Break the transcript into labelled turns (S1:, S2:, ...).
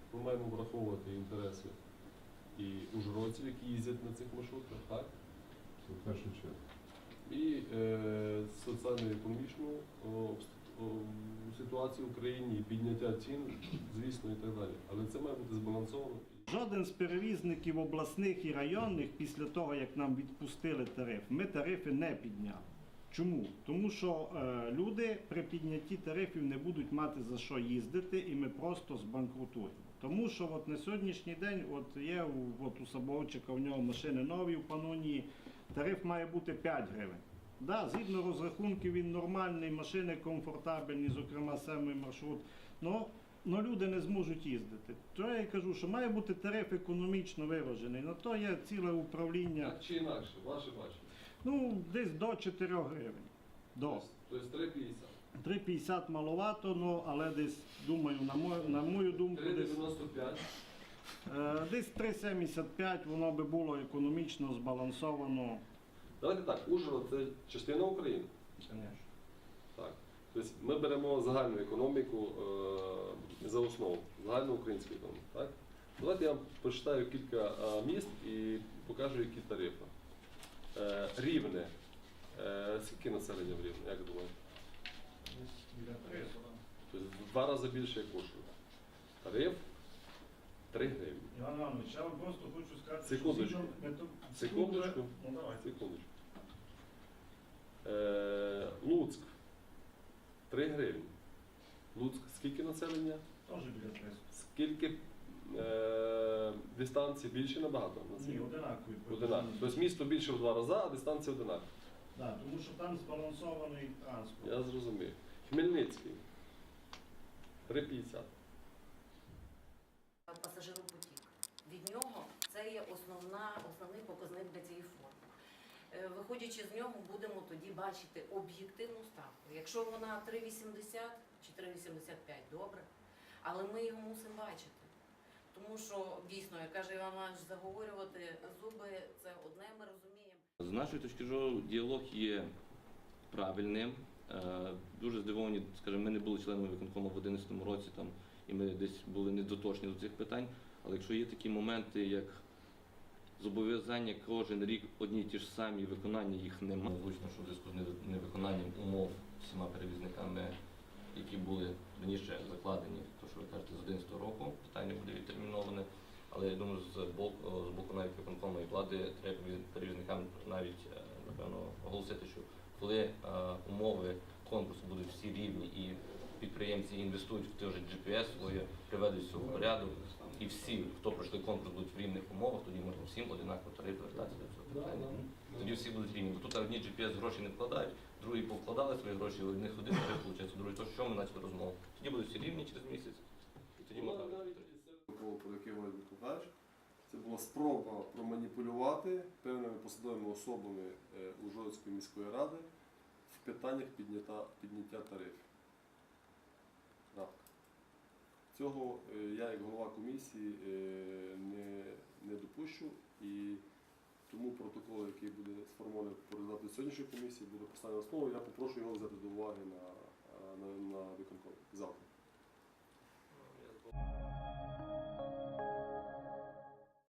S1: ми маємо враховувати інтереси і ужгородців, які їздять на цих маршрутах, так?
S2: Це в першу чергу.
S1: І соціально-економічну ситуацію в Україні, і підняття цін, звісно, і так далі. Але це має бути збалансовано.
S3: Жоден з перевізників обласних і районних після того, як нам відпустили тариф, ми тарифи не підняли. Чому? Тому що люди при піднятті тарифів не будуть мати за що їздити і ми просто збанкрутуємо. Тому що от на сьогоднішній день є у Сабовчика, у нього машини нові в Панонії, тариф має бути 5 гривень. Да, згідно розрахунків він нормальний, машини комфортабельні, зокрема самий маршрут. Но люди не зможуть їздити. То я кажу, що має бути тариф економічно виражений. На то є ціле управління.
S1: Так чи інакше, ваше бачення?
S3: Ну, десь до 4 гривень. До.
S1: Тобто 3,50.
S3: 3,50 маловато, але десь, думаю, на мою думку,
S1: 3,95.
S3: десь 3,75 воно би було економічно збалансовано.
S1: Давайте так, Ужгород – це частина України.
S3: Звісно.
S1: Так. Тобто ми беремо загальну економіку за основу, загальну українську економіку. Так? Давайте я вам прочитаю кілька міст і покажу, які тарифи. Рівне. Скільки населення в Рівне, як думаєте? Тобто в 2 рази більше, як Ужгород. Тариф 3 гривні.
S3: Іван Іванович, я вам просто хочу сказати,
S1: Секундочку. Секундочку.
S3: Ну, давайте.
S1: Секундочку. Луцьк 3 гривні. Луцьк скільки населення?
S3: Теж біля 300.
S1: Скільки дистанції більше набагато?
S3: Ні, одинакові.
S1: Одинаково. Тобто місто більше в 2 рази, а дистанція одинакова.
S3: Так, тому що там збалансований транспорт.
S1: Я зрозумів. Хмельницький 3,50.
S4: Пасажиропотік. Від нього це є основний показник для цієї форми. Виходячи з нього, будемо тоді бачити об'єктивну ставку. Якщо вона 3,80 чи 3,85, добре, але ми його мусимо бачити. Тому що, дійсно, як каже Іван Іванович, заговорювати зуби – це одне, ми розуміємо.
S5: З нашої точки зору діалог є правильним. Дуже здивовані, скажімо, ми не були членами виконкому в 2011 році, і ми десь були недоточні до цих питань, але якщо є такі моменти, як зобов'язання кожен рік одні й ті ж самі, виконання їх немає. Звучно, що в зв'язку з невиконанням умов всіма перевізниками, які були раніше закладені, то що ви кажете, з 2011 року, питання буде відтерміноване. Але я думаю, з боку навіть виконкому і влади треба перевізникам навіть, напевно, оголосити, що коли умови конкурсу будуть всі рівні і підприємці інвестують в той же GPS своє, приведуть все в порядок, і всі, хто пройшли конкурс, будуть в рівних умовах, тоді можна всім одинаково тариф вертатися до цього питання. Тоді всі будуть рівні. Бо тут одні GPS гроші не вкладають, другі повкладали свої гроші, у одних один тариф виходить, другий то, що ми почали розмову. Тоді будуть всі рівні через місяць, і тоді можна.
S1: Про який говорить викладач, це була спроба проманіпулювати певними посадовими особами Ужгородської міської ради в питаннях підняття тарифів. Крапка. Цього я, як голова комісії, не допущу, і тому протокол, який буде сформований по результату сьогоднішньої комісії, буде поставлений на основу. Я попрошу його взяти до уваги на виконкомі завтра.